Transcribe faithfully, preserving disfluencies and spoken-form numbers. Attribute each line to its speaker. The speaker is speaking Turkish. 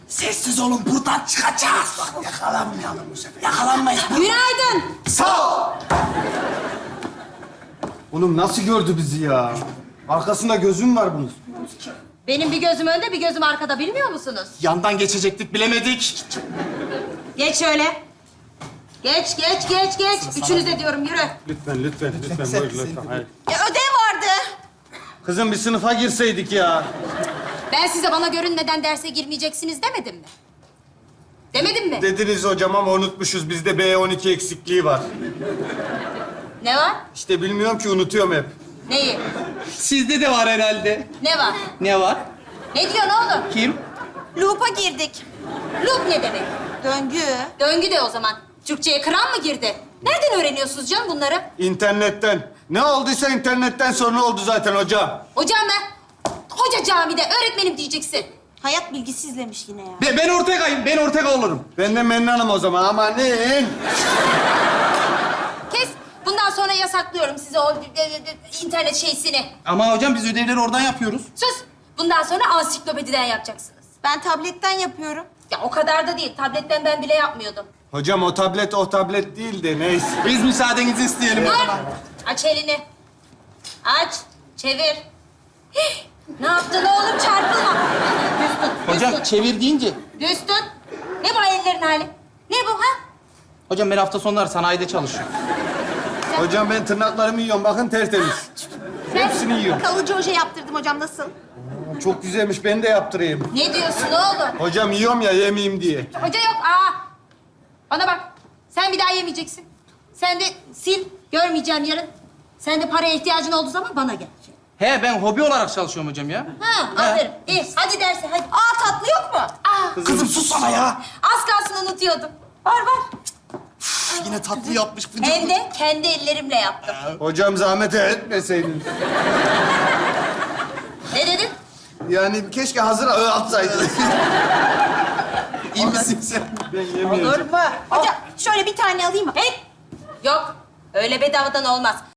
Speaker 1: Sessiz olun, buradan çıkacağız. Bak yakalanmayalım bu sefer. Yakalanmayız.
Speaker 2: Günaydın.
Speaker 1: Sağ ol.
Speaker 3: Oğlum nasıl gördü bizi ya? Arkasında gözüm var bunun.
Speaker 2: Benim bir gözüm önde, bir gözüm arkada. Bilmiyor musunuz?
Speaker 1: Yandan geçecektik, bilemedik.
Speaker 2: Geç şöyle. Geç, geç, geç, geç. Üçünüz de diyorum, yürü.
Speaker 3: Lütfen, lütfen, lütfen. Buyur, lütfen. Hayır.
Speaker 2: Ya ödev vardı.
Speaker 3: Kızım bir sınıfa girseydik ya.
Speaker 2: Ben size bana görünmeden derse girmeyeceksiniz demedim mi? Demedim mi?
Speaker 3: Dediniz hocam ama unutmuşuz. Bizde B on iki eksikliği var.
Speaker 2: Ne var?
Speaker 3: İşte bilmiyorum ki unutuyorum hep.
Speaker 2: Neyi?
Speaker 1: Sizde de var herhalde.
Speaker 2: Ne var?
Speaker 1: Ne var?
Speaker 2: Ne diyorsun oğlum?
Speaker 1: Kim?
Speaker 2: Loop'a girdik. Loop ne demek?
Speaker 4: Döngü.
Speaker 2: Döngü de o zaman. Türkçe'ye kıran mı girdi? Nereden öğreniyorsunuz canım bunları?
Speaker 3: İnternetten. Ne olduysa internetten sonra oldu zaten hocam.
Speaker 2: Hocam ben... Hoca camide öğretmenim diyeceksin.
Speaker 4: Hayat bilgisi izlemiş yine ya.
Speaker 1: Ben, ben Ortega'yım, ben Ortega olurum.
Speaker 3: Ben de Mennan'ım o zaman. Amanın.
Speaker 2: Kes. Bundan sonra yasaklıyorum size o e, e, internet şeysini.
Speaker 1: Ama hocam biz ödevleri oradan yapıyoruz.
Speaker 2: Sus. Bundan sonra ansiklopediden yapacaksınız.
Speaker 4: Ben tabletten yapıyorum.
Speaker 2: Ya o kadar da değil. Tabletten ben bile yapmıyordum.
Speaker 3: Hocam o tablet o tablet değil de neyse.
Speaker 1: Biz müsaadenizi isteyelim.
Speaker 2: Dur. Aç elini. Aç. Çevir. Hih! Ne yaptın oğlum? Çarpılma. Düz tut. Düz
Speaker 1: Hocam
Speaker 2: tut.
Speaker 1: çevir deyince.
Speaker 2: Düz tut. Ne bu ellerin hali? Ne bu ha?
Speaker 1: Hocam ben hafta sonları sanayide çalışıyorum.
Speaker 3: Hocam ben tırnaklarımı yiyorum. Bakın tertemiz. Hepsini yiyorum.
Speaker 4: Kalıcı oje yaptırdım hocam, nasıl?
Speaker 3: Çok güzelmiş. Ben de yaptırayım.
Speaker 2: Ne diyorsun oğlum?
Speaker 3: Hocam yiyorum ya yemeyeyim diye.
Speaker 2: Hoca yok. Aa. Bana bak. Sen bir daha yemeyeceksin. Sen de sil. Görmeyeceğim yarın. Sen de paraya ihtiyacın olduğu zaman bana gel.
Speaker 1: He ben hobi olarak çalışıyorum hocam ya.
Speaker 2: Ha, aferin. İyi. Hadi derse hadi.
Speaker 4: Aa, tatlı yok mu?
Speaker 2: Aa,
Speaker 1: Kızım sus sana ya.
Speaker 2: az kalsın unutuyordum. Var var.
Speaker 1: Yine tatlı yapmış.
Speaker 2: Hem de kendi ellerimle yaptım.
Speaker 3: Hocam zahmet etmeseydin.
Speaker 2: Ne dedin?
Speaker 3: Yani keşke hazır atsaydın.
Speaker 1: İyi misin sen?
Speaker 3: Ben yemiyorum.
Speaker 2: Olur mu?
Speaker 4: Hocam şöyle bir tane alayım mı?
Speaker 2: Hey! Yok. Öyle bedavadan olmaz.